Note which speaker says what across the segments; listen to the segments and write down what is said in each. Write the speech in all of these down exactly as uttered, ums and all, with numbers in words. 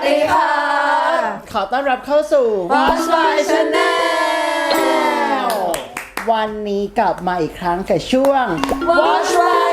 Speaker 1: ดีค่ะ
Speaker 2: ขอต้อนรับเข้าสู่
Speaker 1: Watch My Channel
Speaker 2: วันนี้กลับมาอีกครั้งกับช่วง
Speaker 1: Watch My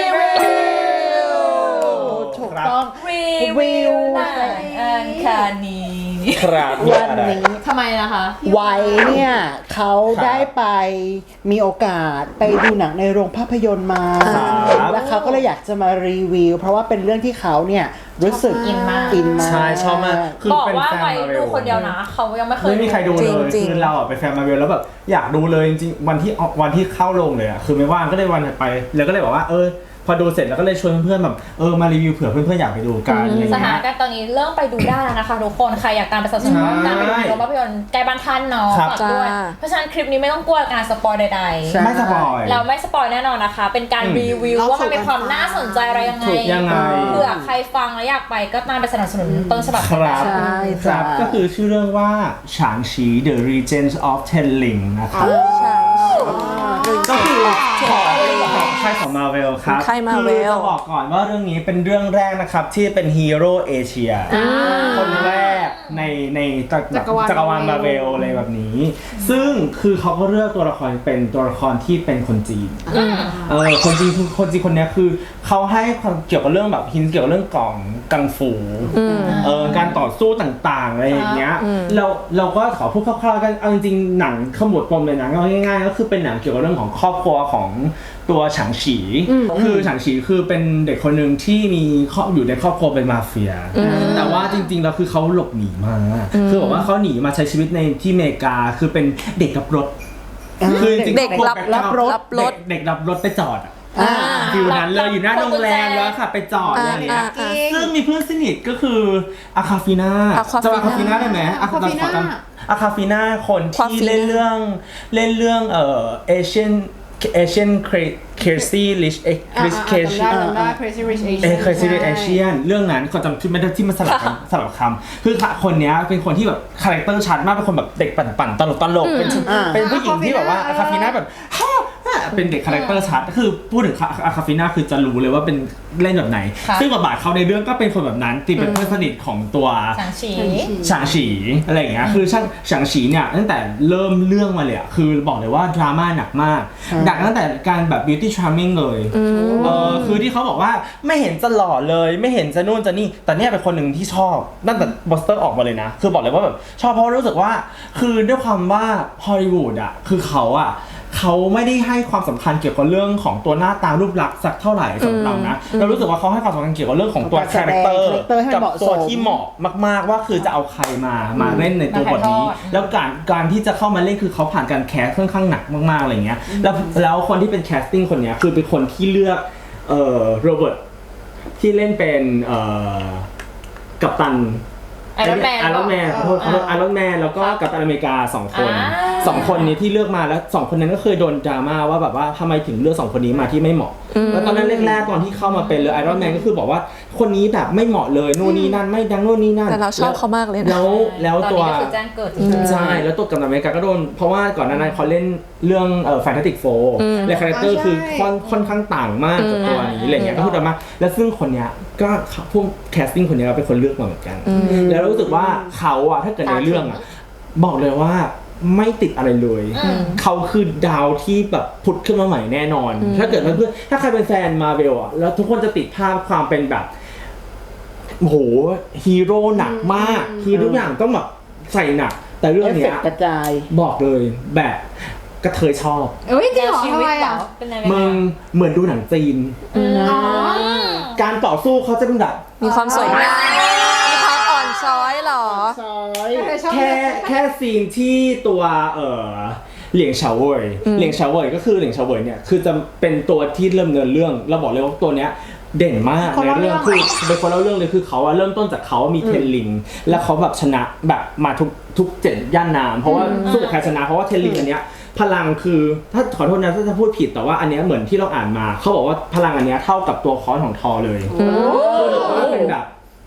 Speaker 1: Review
Speaker 2: ถูกต้อง
Speaker 1: รีวิวหนังอังคารนี้
Speaker 3: ครับ
Speaker 2: วันนี้
Speaker 1: ทำไมนะคะ
Speaker 2: ไว้เนี่ยเขาได้ไปมีโอกาสไปดูหนังในโรงภาพยนตร์มาแล้วเขาก็เลยอยากจะมารีวิวเพราะว่าเป็นเรื่องที่เขาเนี่ยรู้สึก
Speaker 1: อินมาก
Speaker 2: อินมาก
Speaker 3: ใช่ชอบมากคือ
Speaker 1: บอก
Speaker 3: เป็น
Speaker 1: ว่า
Speaker 3: แฟน
Speaker 1: ไป
Speaker 3: มาเว
Speaker 1: ดู
Speaker 3: ล
Speaker 1: คนเดียวนะเขายังไม่เคย
Speaker 3: ไม่มีใครดูเลย
Speaker 4: จริงๆ
Speaker 3: คือเราอ่ะเป็นแฟนมาเวลแล้วแบบอยากดูเลยจริงๆวันที่วันที่เข้าโรงเลยอ่ะคือไม่ว่างก็เลยวันถัดไปแล้วก็เลยบอกว่าเออพอดูเสร็จแล้วก็เลยชวนเพื่อนๆแบบเออมารีวิวเผื่อเพื่อนๆอยากไปดูกันอะไร
Speaker 1: สถา
Speaker 3: เงี้
Speaker 1: น
Speaker 3: ย
Speaker 1: การณ์ตอนนี้เริ่มไปดูได้แล้วนะคะทุกคนใครอยากตามไปสนับสนุน
Speaker 3: ใช่
Speaker 1: การไปดูโรงภาพยนตร์ใกล้บ้านท่านเนาะ
Speaker 3: ครับ
Speaker 1: ฝากด้วย
Speaker 4: จ้า
Speaker 1: เพราะฉะนั้นคลิปนี้ไม่ต้องกลัวการสปอยใด
Speaker 2: ใช่
Speaker 3: ไม่สปอย
Speaker 1: ๆเราไม่สปอยแน่นอนนะคะ เป็นการ
Speaker 3: อืม
Speaker 1: รีวิวว่ามันมีความน่าสนใจอะไรยังไง
Speaker 3: ถูกยังไง
Speaker 1: เผื่อใครฟังแล้วอยากไปก็ตามไปสนับสนุนต้นฉบับ
Speaker 3: ค
Speaker 1: กัน
Speaker 3: รับ
Speaker 1: ได้
Speaker 2: ใช่
Speaker 3: ครั
Speaker 2: จ้ะ
Speaker 3: บก็คือชื่อเรื่องว่าฉางชี The Regents of Tenling นะครับ
Speaker 4: ใช่
Speaker 3: ก็คือของของค่ายของมาเวลครับ
Speaker 4: ค่าย Marvel
Speaker 3: คือจะบอกก่อนว่าเรื่องนี้เป็นเรื่องแรกนะครับที่เป็นฮีโร่เอเชียคนแรกในในจักรวาลจักรวาลมาเวลอะไรแบบนี้ ซึ่งคือเขาก็เลือกตัวละครเป็นตัวละครที่เป็นคนจีนเออคนจีนคือคนจีนคนนี้คือเขาให้ความเกี่ยวกับเรื่องแบบฮินเกี่ยวกับเรื่องกล่องกังฟูเออการต่อสู้ต่างๆอะไรอย่างเงี้ยเราเราก็ขอพูดคร่าวๆกันเอาจริงๆหนังขมวดปมเลยหนังง่ายๆก็คือเป็นหนังเกี่ยวกับเรื่องของครอบครัวของตัวฉางฉีคือฉางฉีคือเป็นเด็กคนหนึ่งที่มีครอบอยู่ในครอบครัวเป็นมาเฟียแต่ว่าจริงๆแล้วคือเขาหลบหนีมาคือบอกว่าเขาหนีมาใช้ชีวิตในที่อเมริกาคือเป็นเด็กรับรถคือจริงๆ
Speaker 4: เด็กรับ
Speaker 3: รับรถ
Speaker 4: รับรถ
Speaker 3: เด็กรับรถไปจอดอะ
Speaker 2: อ่า
Speaker 3: ฟิวนั้นเลยอยู่หน้าโรงแรมแล้วค่ะไปจอดอย่างเงี้ย
Speaker 4: อ่าอ่า
Speaker 3: ซึ่งมีเพื่อนสนิทก็คืออาคาฟิน่า
Speaker 4: Aquafina
Speaker 3: จะอาคาฟิน่าได้ไหมอาคาฟิน่าอาคาฟิน่าคนที่
Speaker 4: Aquafina
Speaker 3: เล่นเรื่องเล่นเรื่องเอ่อเอเชียนเอเชียนเครซี่ลิชเอ็กคริสเคช
Speaker 5: จำได้จำได้ Crazy Rich
Speaker 3: เอ
Speaker 5: Asian
Speaker 3: เคยซีรีส์เอเชียนเรื่องนั้นเขาจำชื่อไม่ได้ที่มันสลับกันสลับคำคือคนเนี้ยเป็นคนที่แบบคาแรคเตอร์ชัดมากเป็นคนแบบเด็กปั่นๆตลกตลกเป็นเป็นผู้หญิงที่แบบว่าอาคาฟิน่าแบบฮ่าเป็นเด็กคาแรคเตอร์ชัดคือพูดถึงอาคาฟิน่าคือจะรู้เลยว่าเป็นเล่นแบบไหนซึ่งบทบาทเขาในเรื่องก็เป็นคนแบบนั้นที่เป็นเพื่อนสนิทของตัว
Speaker 1: ฉางฉี
Speaker 3: ฉางฉีอะไรอย่างเงี้ยคือช่างฉางฉีเนี่ยตั้งแต่เริ่มเรื่องมาเลยอะคือบอกเลยว่าดราม่าหนักมากหนักตั้งแต่การแบบ beauty charming เลยเออคือที่เขาบอกว่าไม่เห็นจะหล่อเลยไม่เห็นจะนู่นจะนี่แต่เนี่ยเป็นคนหนึ่งที่ชอบตั้งแต่บอสเตอร์ออกมาเลยนะคือบอกเลยว่าแบบชอบเพราะรู้สึกว่าคือด้วยความว่าฮอลลีวูดอะคือเขาอะเขาไม่ได้ให้ความสำคัญเกี่ยวกับเรื่องของตัวหน้าตารูปลักษณ์สักเท่าไหร่สำหรับเรานะเรารู้สึกว่าเขาให้ความสำคัญเกี่ยวกับเรื่องของตัวคาแรคเตอร์กับตัวที่เหมาะมากๆว่าคือจะเอาใครมามาเล่นในตัวบทนี้แล้วการการที่จะเข้ามาเล่นคือเขาผ่านการแคสค่อนข้างหนักมากๆอะไรเงี้ยแล้วแล้วคนที่เป็นแคสติ้งคนเนี้ยคือเป็นคนที่เลือกเอ่อโรเบิร์ตที่เล่นเป็นเอ่อกัปตัน
Speaker 1: ไอรอนแมน
Speaker 3: ไอรอนแมนขอโทษขอโทษไอรอนแมนแล้วก็กัปตันอเมริกาสองคนสองคนนี้ที่เลือกมาแล้วสองคนนั้นก็เคยโดนดราม่าว่าแบบว่าทำไมถึงเลือกสองคนนี้มาที่ไม่เหมาะแล้วตอนนั้นแรกๆตอนที่เข้ามาเป็นเลยไอรอนแมนก็คือบอกว่าคนนี้แบบไม่เหมาะเลยนู่นนี่นั่นไม่ดังนู่นนี่นั่น
Speaker 4: แต่เราชอบเขามากเลยนะ
Speaker 3: แล้วแล้ว
Speaker 1: ตอน
Speaker 3: ตัว
Speaker 1: นี้ก็คือแจ้งเกิด
Speaker 3: ใช่แล้วตัวกัปตันอเมริกาก็โดนเพราะว่าก่อนหน้านั้นเขาเล่นเรื่องเอ่อแฟนตาติกโฟร์และคาแรคเตอร์คือค่อนค่อนข้างต่างมากจากตัวนี้อะไรเงี้ยก็พูดออกมาแล้วซึ่งคนเนี้ยก็พวกแคสติ้งคนเนี้ยเป็นคนเลือกมาเหมือนกันแล้วรู้สึกว่าเขาอะถ้าเกิดในเรื่องอะบอกเลยว่าไม่ติดอะไรเลยเขาคือดาวที่แบบผุดขึ้นมาใหม่แน่นอนถ้าเกิดเพื่อนถ้าใครเป็นแฟนมาเวลอะแล้วทุกคนจะติดภาพความเป็นแบบโอ้โหฮีโร่หนักมากคือทุกอย่างต้องแบบใส่หนักแต่เรื่อง
Speaker 2: เอฟเฟ
Speaker 3: เนี้
Speaker 2: ก
Speaker 3: ย
Speaker 2: ต์กระจาย
Speaker 3: บอกเลยแบบกระเทยชอบ
Speaker 5: เอ้ยจริงเหรอ
Speaker 1: ชี
Speaker 5: ทำ
Speaker 1: วิต
Speaker 5: ไม
Speaker 1: เหร
Speaker 5: อ่ะ
Speaker 1: อเป็นไง
Speaker 3: มึงเหมือนดูหนังจีน
Speaker 5: อ๋อ
Speaker 3: การต่อสู้เขาจะเป็นแบบ
Speaker 4: มีความสวยงามมีความอ่อนช้อยเหรอ
Speaker 2: ซอย
Speaker 3: แค่แค่ซีนที่ตัวเออเหลียงเฉาเว่ยเหลียงเฉาเว่ยก็คือเหลียงเฉาเว่ยเนี่ยคือจะเป็นตัวที่เริ่มเนินเรื่องเราบอกเลยว่าตัวเนี้ยเด่นมากในเรื่องคือเป็นคนเล่าเรื่องเลยคือเขาอะเริ่มต้นจากเขามีเทนลิงแล้วเขาแบบชนะแบบมาทุกทุกเจ็ดย่านน้ำเพราะว่าสู้กับใครชนะเพราะว่าเทนลิงอันเนี้ยพลังคือถ้าขอโทษนะถ้าจะพูดผิดแต่ว่าอันเนี้ยเหมือนที่เราอ่านมาเขาบอกว่าพลังอันเนี้ยเท่ากับตัวค้อนของทอเลยคือว่าเป็นแบบ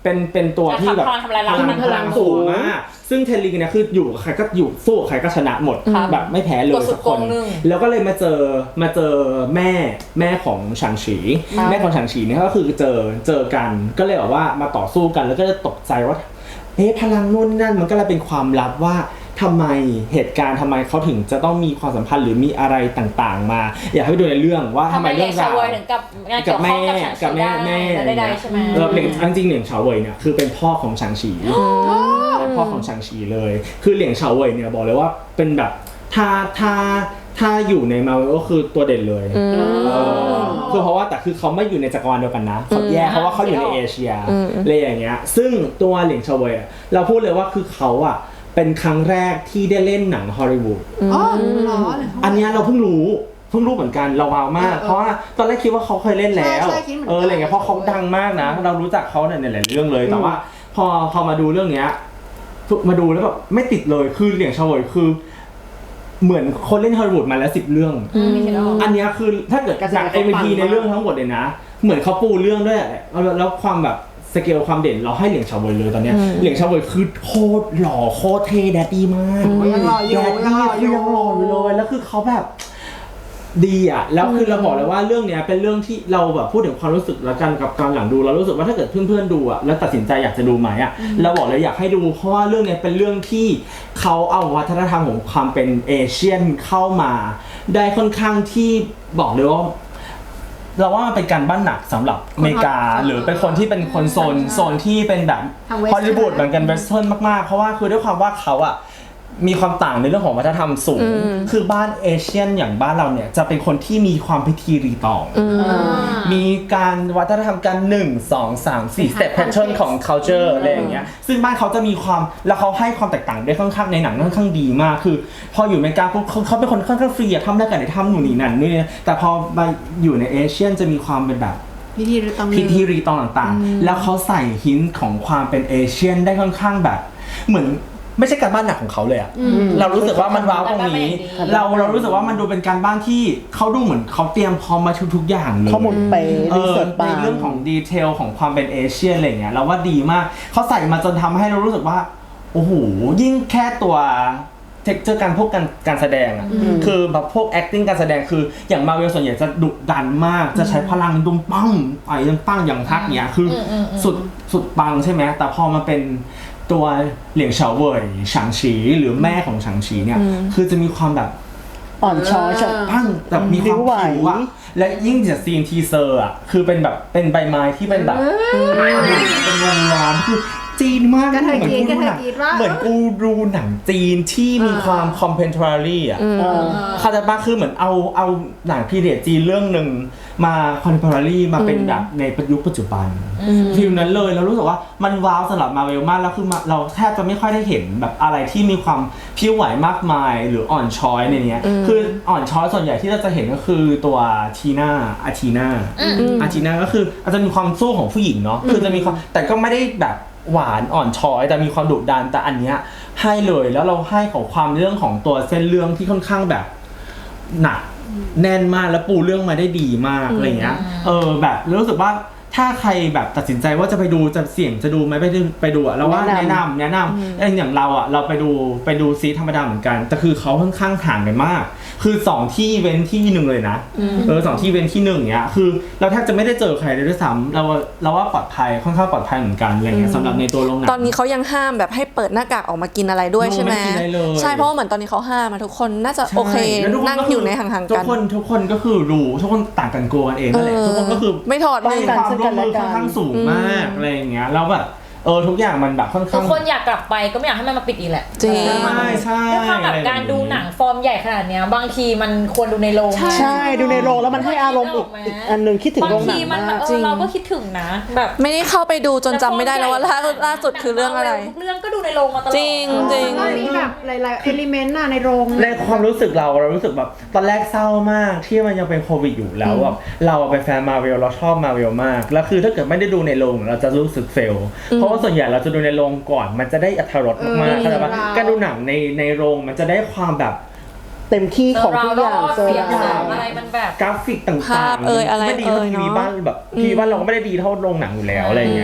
Speaker 3: เป็นเป็นตัวที่แบบ
Speaker 1: พลังทำลายล้าง
Speaker 3: พลังพลังสูงมากซึ่งเทนริงเนี่ยคืออยู่กับใครก็อยู่สู้กับใครก็ชนะหมดแบบไม่แพ้เลยสักคนแล้วก็เลยมาเจอมาเจอแม่แม่ของฉางฉีแม่ของฉางฉีเนี่ยก็คือเจอเจอกันก็เลยแบบว่ามาต่อสู้กันแล้วก็จะตกใจว่าเอ๊ะพลังนู่นนั่นมันก็เลยเป็นความลับว่าทำไมเหตุการณ์ทำไมเขาถึงจะต้องมีความสัมพันธ์หรือมีอะไรต่างๆมาอยากให้ไปดูในเรื่องว่าทำไมเรื่องราว
Speaker 1: ถึงกับงานเกี่ยวข้องกับฉางฉี
Speaker 3: กับแม่แม่
Speaker 1: ได้ใช่ไหม
Speaker 3: เออเหลียงจริงๆเหลียงเฉาเว่ยเนี่ยคือเป็นพ่อของฉางฉีเป็นพ่อของฉางฉีเลยคือเหลียงเฉาเว่ยเนี่ยบอกเลยว่าเป็นแบบถ้าถ้าถ้าอยู่ในมาเวลก็คือตัวเด่นเลยเออคือเพราะว่าแต่คือเขาไม่อยู่ในจักรวาลเดียวกันนะเขาแยกเพราะว่าเขาอยู่ในเอเชียอะไรอย่างเงี้ยซึ่งตัวเหลียงเฉาเว่ยเราพูดเลยว่าคือเขาอ่ะเป็นครั้งแรกที่ได้เล่นหนังฮอลลีวูดอ๋อเหรออันนี้เราเพิ่งรู้เพิ่งรู้เหมือนกันเราว้าวมากเพราะว่าตอนแรกคิดว่าเขาเคยเล่นแล้วเอออะไรเงี้ยเพราะเขาดังมากนะเรารู้จักเขาในหลายๆเรื่องเลยแต่ว่าพอพอมาดูเรื่องเนี้ยมาดูแล้วแบบไม่ติดเลยคือเหลียงเฉาเว่ยคือเหมือนคนเล่นฮอลลีวูดมาแล้วสิบเรื่องอันนี้คือถ้าเกิดจาก เอ็ม วี พี ในเรื่องทั้งหมดเลยนะเหมือนเขาปูเรื่องด้วยแล้วความแบบสเกลความเด่นเราให้เหลียงเฉาเว่ยเลยตอนเนี้ยเหลียงเฉาเว่ยคือโคตรหล่อโคตรเท่แดดดี้มาก
Speaker 2: ยังหล่ออยู่
Speaker 3: ยังหล่ออยู่ยังหล่ออยู่เลยแล้วคือเขาแบบดีอ่ะแล้วคือเราบอกเลยว่าเรื่องเนี้ยเป็นเรื่องที่เราแบบพูดถึงความรู้สึกแล้วกันกับการหลังดูเรารู้สึกว่าถ้าเกิดเพื่อนๆดูอ่ะแล้วตัดสินใจอยากจะดูไหมอ่ะเราบอกเลยอยากให้ดูเพราะว่าเรื่องเนี้ยเป็นเรื่องที่เขาเอาวัฒนธรรมของความเป็นเอเชียนเข้ามาได้ค่อนข้างที่บอกเลยว่าเราว่ามันเป็นการบ้านหนักสำหรับอเมริกาหรือเป็นคนที่เป็นคนโซนโซนที่เป็นแบบฮอลลีวูดเหมือนกันเวสเทิร์นมากๆเพราะว่าคือด้วยความว่าเขาอ่ะมีความต่างในเรื่องของวัฒนธรรมสูงคือบ้านเอเชียนอย่างบ้านเราเนี่ยจะเป็นคนที่มีความพิธีรีตองมีการวัฒนธรรมการหนึ่ง สอง สาม สี่ step pattern ของ culture อะไรอย่างเงี้ยซึ่งบ้านเขาจะมีความแล้วเขาให้ความแตกต่างได้ค่อนข้างในหนังค่อนข้างดีมากคือพออยู่อเมริกาปุ๊บเขาเป็นคนค่อนข้างฟรีอะทำได้กันได้ทำหนูนี่นั่นนี่แต่พอมาอยู่ในเอเชียนจะมีความเป็นแบบ
Speaker 5: พิธีรีตอง
Speaker 3: พิธีรีตองต่างๆแล้วเขาใส่หินของความเป็นเอเชียนได้ค่อนข้างแบบเหมือนไม่ใช่การบ้านหนักของเขาเลยอะเรารู้สึกว่ามันว้าวตรงนี้เราเรารู้สึกว่ามันดูเป็นการบ้านที่เขาดูเหมือนเขาเตรียมพร้อมมาทุกๆอย่างเลย
Speaker 2: ข้อมูลเป๊ะรีเสิร์ช
Speaker 3: ในเรื่องของดีเทลของความเป็นเอเชียนอะไรเงี้ยเราว่าดีมากเขาใส่มาจนทำให้เรารู้สึกว่าโอ้โหยิ่งแค่ตัวเทคเจอร์การพวกการการแสดงอ่ะคือแบบพวก acting การแสดงคืออย่างมาเวลส่วนใหญ่จะดุดันมากจะใช้พลังดุมปั้งไปยังปั้งอย่างทักเนี้ยคือสุดสุดปังใช่ไหมแต่พอมาเป็นตัวเหลียงเฉาเว่ยฉางฉีหรือแม่ของฉางฉีเนี่ยคือจะมีความแบบ
Speaker 2: อ่อนช้อย
Speaker 3: ปั้งแบบมีความผิวอะและยิ่งจากซีนทีเซอร์อ่ะคือเป็นแบบเป็นใบไม้ที่เป็นแบบเป็นวงล้อมคือจีนมากเหมือนกูดูหนังเหมือนกูดูหนังจีนที่มีความคอมเพนทรารี่อ่ะคาตาบ้าคือเหมือนเอาเอาหนังพีเรียดจีนเรื่องหนึ่งมาคอนเทมพอรารี่มาเป็นแบบในยุคปัจจุบันฟิลนั้นเลยเรารู้สึกว่ามันว้าวสำหรับมาเวลมากแล้วคือเราแทบจะไม่ค่อยได้เห็นแบบอะไรที่มีความพิ้วไหวมากมายหรืออ่อนช้อยในนี้คืออ่อนช้อยส่วนใหญ่ที่เราจะเห็นก็คือตัวทีน่าอาทีน่าอาทีน่าก็คืออาจจะมีความสู้ของผู้หญิงเนาะคือจะมีความแต่ก็ไม่ได้แบบหวานอ่อนช้อยแต่มีความดุดันแต่อันเนี้ยให้เลยแล้วเราให้ของความเรื่องของตัวเส้นเรื่องที่ค่อนข้างแบบหนักแน่นมากแล้วปูเรื่องมาได้ดีมากอะไรเงี้ยเออแบบรู้สึกว่าถ้าใครแบบตัดสินใจว่าจะไปดูจะเสี่ยงจะดูไหมไปดูไปดูอะเราว่าแนะนำแนะนำอย่างเราอะเราไปดูไปดูซีธรรมดาเหมือนกันแต่คือเขาค่อนข้างห่างกันมากคือสองที่เว้นที่หนึ่งเลยนะเออสองที่เว้นที่หนึ่งเนี้ยคือเราแทบจะไม่ได้เจอใครเลยด้วยซ้ำเราเราว่าปลอดภัยค่อนข้างปลอดภัยเหมือนกันอะไรเงี้ยสำหรับในตัวโรงหนัง
Speaker 4: ตอนนี้เขายังห้ามแบบให้เปิดหน้ากากออกมากินอะไรด้วยใช่ไหมใช่เพราะว่าเหมือนตอนนี้เขาห้ามมาทุกคนน่าจะโอเคนั่งอยู่ในห่างๆกัน
Speaker 3: ทุกคนทุกคนก็คือรู้ทุกคนต่างกันกลัวกันเองนั่นแหละทุกคนก็คือ
Speaker 4: ไม่ถอด
Speaker 3: เลยความร่วมมือค่อนข้างสูงมากอะไรอย่างเงี้ยแล้วแบบเออทุกอย่างมันแบบค่อนข้าง
Speaker 1: ทุกคนอยากกลับไปก็ไม่อยากให้มันมาปิดอีกแหละ
Speaker 4: จริง
Speaker 3: ใช่ใช่
Speaker 1: ด้วยความแบบการดูหนังฟอร์มใหญ่ขนาดเนี้ยบางทีมันควรดูในโรง
Speaker 2: ใช่ดูในโรงแล้วมันให้อารมณ์อีกอันนึงคิดถึงโรงหนังมาก
Speaker 1: จริงเราก็คิดถึงนะแบบ
Speaker 4: ไม่ได้เข้าไปดูจนจำไม่ได้แล้วว่าล่าสุดคือเรื่องอะไร
Speaker 1: ทุกเรื่องก็ดูในโรงมาตลอด
Speaker 4: จริงจริง
Speaker 5: ก็มีแบบหลายๆเอลิเมนต์น่ะในโรง
Speaker 3: ในความรู้สึกเราเรารู้สึกแบบตอนแรกเศร้ามากที่มันยังเป็นโควิดอยู่แล้วแบบเราเป็นแฟนมาเวลเราชอบมาเวลมากแล้วคือถ้าเกิดไม่ได้ดูในโรงเราจะรู้สึกเฟลเพราะว่าส่วนใหญ่เราจะดูในโรงก่อนมันจะได้อรรถรสมากๆเข้าใจป่ะการดูหนังในในโรงมันจะได้ความแบบ
Speaker 2: เต็มที่ของทุกอย่าง
Speaker 1: เสียงอะไรมันแบบ
Speaker 3: กราฟิกต่างๆ
Speaker 4: เอ่ยอะไร
Speaker 3: ไม่ดีเท่าทีวีบ้านแบบทีวีบ้านเราก็ไม่ได้ดีเท่าโรงหนังอยู่แล้วอะไรเงี้ย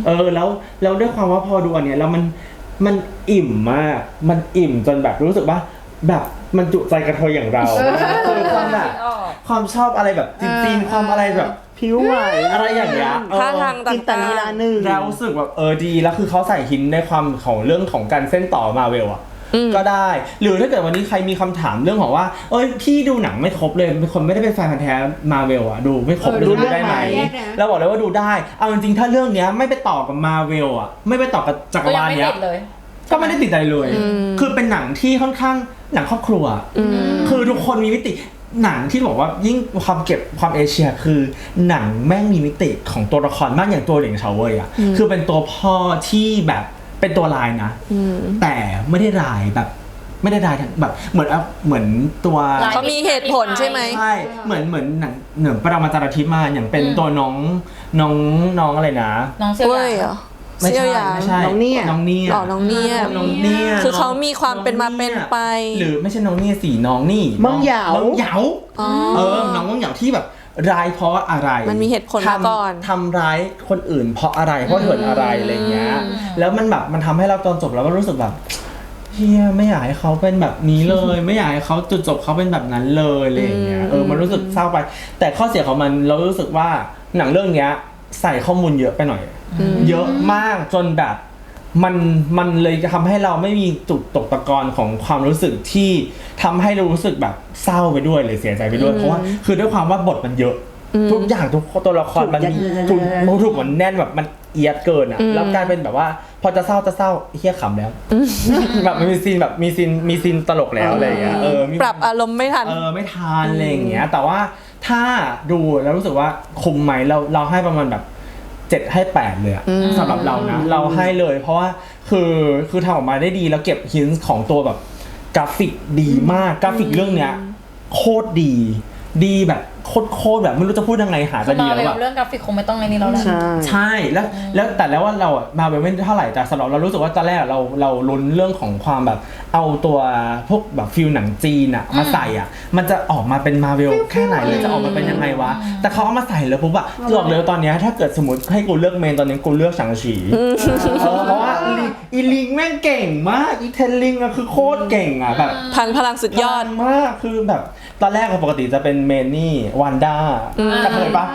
Speaker 3: เออแล้วแล้วด้วยความว่าพอดูอันเนี้ยแล้วมันมันอิ่มมากมันอิ่มจนแบบรู้สึกว่าแบบมันจุใจกระเทยอย่างเราคือความแบบความชอบอะไรแบบจีนๆความอะไรแบบ
Speaker 2: ผิวไหว
Speaker 3: อะไรอย่างเงี้ย
Speaker 4: ท่าทางต่างๆ
Speaker 2: จินตนาการหนึ่ง
Speaker 3: แล้วรู้สึกแบบเออดีแล้วคือเขาใส่หินในความของเรื่องของการเส้นต่อมาเวลอะก็ได้หรือถ้าเกิดวันนี้ใครมีคำถามเรื่องของว่าเอ้ยพี่ดูหนังไม่ครบเลยเป็นคนไม่ได้เป็นแฟนพันธุ์แท้มาเวลอะดูไม่ครบดูได้ไหมเราบอกเลยว่าดูได้เอาจริงๆถ้าเรื่องเนี้ยไม่ไปต่อกับมาเวลอะไม่ไปต่อกับจักรวาลเนี้ยก็ไม่ได้ติดใจเลยคือเป็นหนังที่ค่อนข้างหนังครอบครัวคือทุกคนมีมิติหนังที่บอกว่ายิ่งความเก็บความเอเชียคือหนังแม่งมีมิติของตัวละครมากอย่างตัวเหลียงเฉาเว่ยอ่ะคือเป็นตัวพ่อที่แบบเป็นตัวลายนะแต่ไม่ได้ลายแบบไม่ได้ลายแบบเหมือนเหมือนตัว
Speaker 4: เขามีเหตุผลใช่ไหม
Speaker 3: ใช่เหมือนเหมือนหนังเหนือปรมาจารย์ทิพย์มาอย่างเป็นตัวน้องน้องน้องอะไรนะ
Speaker 1: น้องเซียวหยาง
Speaker 4: เหรอ
Speaker 3: ไม่ใช่
Speaker 4: เซี่ยวหยาง
Speaker 3: ไม่ใช่
Speaker 2: น้องเนี่ย
Speaker 3: น้องเนี่ย
Speaker 4: หล่อน้องเนี่ย
Speaker 3: น้องเนี่ย
Speaker 4: คือเขามีความเป็นมาเป็นไป
Speaker 3: หรือไม่ใช่น้องเนี่ยสี่น้องนี่
Speaker 2: มังเหยา
Speaker 3: น้องเหยาเออน้องมังเหยาที่แบบร้ายเพราะอะไร
Speaker 4: มันมีเหตุผลมาก่อน
Speaker 3: ทำร้ายคนอื่นเพราะอะไรเพราะเถิดอะไรอะไรเงี้ยแล้วมันแบบมันทำให้เราตอนจบแล้วก็รู้สึกแบบเฮียไม่อยากให้เขาเป็นแบบนี้เลย ไม่อยากให้เขาจุดจบเขาเป็นแบบนั้นเลยอะไรอย่างเงี้ยเออมันรู้สึกเศร้าไป แต่ข้อเสียของมันเรารู้สึกว่าหนังเรื่องเนี้ยใส่ข้อมูลเยอะไปหน่อยเยอะมากจนแบบมันมันเลยทำให้เราไม่มีจุดตกตะกอนของความรู้สึกที่ทำให้เรารู้สึกแบบเศร้าไปด้วยหรือเสียใจไปด้วยเพราะว่าคือด้วยความว่าบทมันเยอะทุกอย่างทุกตัวละครมันมีถูกถูกมันแน่นแบบมันเอียดเกินอ่ะแล้วกลายเป็นแบบว่าพอจะเศร้าจะเศร้าเฮี้ยขำแล้วแบบมันมีซีนแบบมีซีนมีซีนตลกแล้วอะไรอย่างเงี้ยเออ
Speaker 4: ปรับอารมณ์ไม่ทัน
Speaker 3: เออไม่ทันอะไรอย่างเงี้ยแต่ว่าถ้าดูแล้วรู้สึกว่าคุ้มไหมเราเราให้ประมาณแบบเจ็ดให้แปดเลยอะสำหรับเรานะเราให้เลยเพราะว่าคือคือทำออกมาได้ดีแล้วเก็บฮินส์ของตัวแบบกราฟิกดีมากกราฟิกเรื่องเนี้ยโคตรดีดีแบบโคตรโคตรแบบไม่รู้จะพูดยังไงหาจะดีแล้วอะ
Speaker 1: เรื่องกราฟิกคงไม่ต้องในนี้แล้วแหละ
Speaker 3: ใช่แล้วแล้วแต่แล้วว่าเราอะมาไม่เท่าไหร่แต่สำหรับเรารู้สึกว่าตอนแรกเราเราลุ้นเรื่องของความแบบเอาตัวพวกแบบฟิลหนังจีนอะมาใส่อะมันจะออกมาเป็นมาเวลแค่ไหนเลยจะออกมาเป็นยังไงวะแต่เขาเอามาใส่แล้วปุ๊บอะบอกเลยตอนนี้ถ้าเกิดสมมติให้กูเลือกเมนตอนนี้กูเลือกฉางฉีเพราะว่าอีลิงแม่งเก่งมากอีเทนลิงอะคือโคตรเก่งอะแบบ
Speaker 4: พังพลังสุดยอด
Speaker 3: มากคือแบบตอนแรกปกติจะเป็นเมนนี่วันด้ากระเทยปะ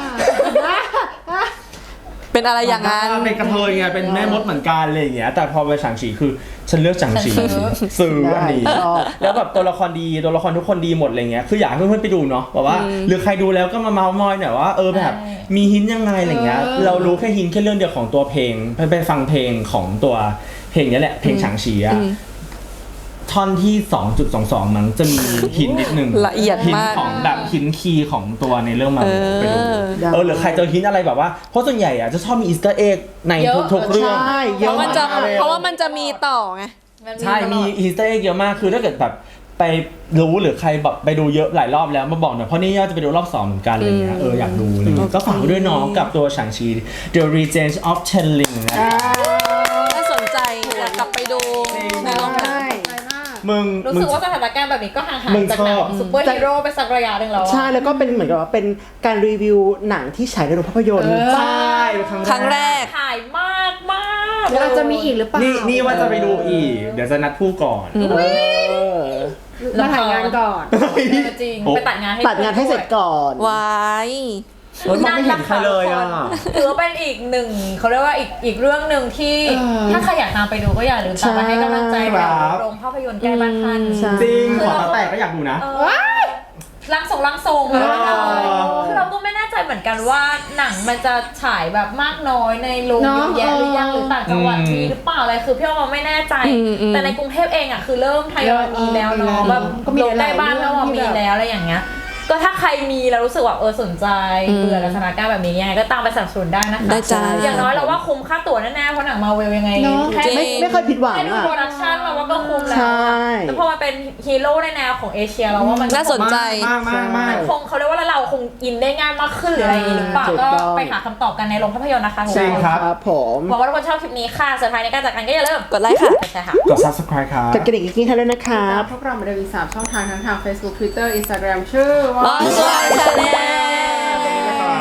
Speaker 4: เป็นอะไรอย่างนั้น
Speaker 3: เป็นกระเทยไงเป็นแม่มดเหมือนกันอะไรอย่างเงี้ยแต่พอไปฉางฉีคือฉันเลือกฉางฉีซื้ออันนี้แล้วแบบตัวละครดีตัวละครทุกคนดีหมดอะไรเงี้ยคืออยากให้เพื่อนๆไปดูเนาะแบบว่าหรือใครดูแล้วก็มาเมาส์มอยหน่อยว่าเออแบบมีหินยังไงอะไรเงี้ยเรารู้แค่หินแค่เรื่องเดียวของตัวเพลงไปไปฟังเพลงของตัวเพลงนี้แหละเพลงฉางฉีอะท่อนที่ สองจุดสองสอง มันจะมีหินนิดนึง
Speaker 4: ละเอียดมาก
Speaker 3: ของแบบหินคีย์ของตัวในเรื่องมันไปดูเออหรือใครเจอหินอะไรแบบว่าเพราะส่วนใหญ่อะจะชอบมีอีสเตอร์เอ็กในทุกๆเรื่อง
Speaker 2: ใช่
Speaker 4: เพราะมันจะเพราะว่ามันจะมีต่อไง
Speaker 3: ใช่มีอีสเตอร์เอ็กเยอะมากคือถ้าเกิดแบบไปรู้หรือใครแบบไปดูเยอะหลายรอบแล้วมาบอกหน่อยเพราะนี่ย่าจะไปดูรอบสองเหมือนกันอะไรเงี้ยเอออยากดูเลยก็ฝากด้วยน้องกับตัวฉางชี The Regent of Chenling นะ
Speaker 4: ถ้าสนใจอยากกลับไปดูในโรงหนัง
Speaker 3: มึง
Speaker 1: รู้สึกว่าสถานการณ์แบบนี้ก็ห่างหายจากหนังซุปเปอร์ฮีโร่ไปสักระยะหนึ่งแล้ว
Speaker 2: ใช่แล้วก็เป็นเหมือนกับว่าเป็นการรีวิวหนังที่ฉายในโรงภาพยนตร์
Speaker 3: ใช่
Speaker 4: ครั้งแรก
Speaker 1: ถ่ายมากมาก
Speaker 5: เดี๋ยวเราจะมีอีกหรือเปล่า
Speaker 3: นี่นี่ว่าจะไปดูอีกเดี๋ยวจะนัดผู้ก่อน
Speaker 5: มาถ่ายงานก่อน
Speaker 1: จริงไปตัดงานให้
Speaker 2: ตัดงานให้เสร็จก่อน
Speaker 4: ไว้
Speaker 3: มันไม่เห็นใครเลยอ่ะ
Speaker 1: ถือว่าเป็นอีกหนึ่งเขาเรียกว่าอีกอีกเรื่องหนึ่งที่ถ้าใครอยากตามไปดูก็อย่าลืมตามมาให้กำลังใจโรงภาพยนตร์ใกล้บ้านท่าน
Speaker 3: จริงขอแต่ก็อยากดูนะ
Speaker 1: ลังส่งลังทรงคือเราก็ไม่แน่ใจเหมือนกันว่าหนังมันจะฉายแบบมากน้อยในโรงเยอะแยะหรือยังหรือต่างจังหวัดมีหรือเปล่าอะไรคือพี่ว่าไม่แน่ใจแต่ในกรุงเทพเองอ่ะคือเริ่มทยอยมีแล้วเนาะแบบโรงใกล้บ้านก็มีแล้วอะไรอย่างเงี้ยก็ถ้าใครมีแล้วรู้สึกว่าเออสนใจเบื่อสถานการณ์แบบนี้ยังไงก็ตามไปสนับสนุนได้นะคะ
Speaker 4: ได้จ้า
Speaker 1: อย่างน้อยเราว่าคุ้มค่าตั๋วแน่ๆเพราะหนังมาเวลยังไง
Speaker 2: แค่ไม่ไม่เคยผิดหวัง
Speaker 1: อ่ะแค่ดูโปรดักชั่นเราว่าก็คุ้มแล้วแต่พอมาเป็นฮีโร่ในแนวของเอเชียเราว่ามัน
Speaker 4: น่าสนใจ
Speaker 3: มากมากมาก
Speaker 1: คงเขาเรียกว่าเราคงอินได้ง่ายมากขึ้นหรืออะไรอย่างนี้หรือเปล่าก็ไปหาคำตอบกันในโรงภาพยนตร์นะคะ
Speaker 3: ใช่ครับผม
Speaker 1: หวังว่าทุกคนชอบคลิปนี้ค่ะสุดท้ายในการจัดการก็อย่าลืม
Speaker 4: กดไลค์ค่ะ
Speaker 1: ใช่ค่ะ
Speaker 3: กด Subscribe ครับ
Speaker 2: กดกระดิ่งกิ๊งๆให้ด้วยนะครับ
Speaker 5: พวกเรามาเดินอีกสามช่องทางทั้งทาง Facebook Twitter Instagram ชื่อว่า
Speaker 4: Watch Channel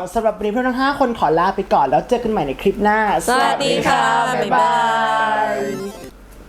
Speaker 2: สำหรับวันนี้พวกเราทั้งห้าคนขอลาไปก่อนแล้วเจอกันใหม่ในคลิปหน้า
Speaker 4: สวัสดีค่ะบ๊ายบาย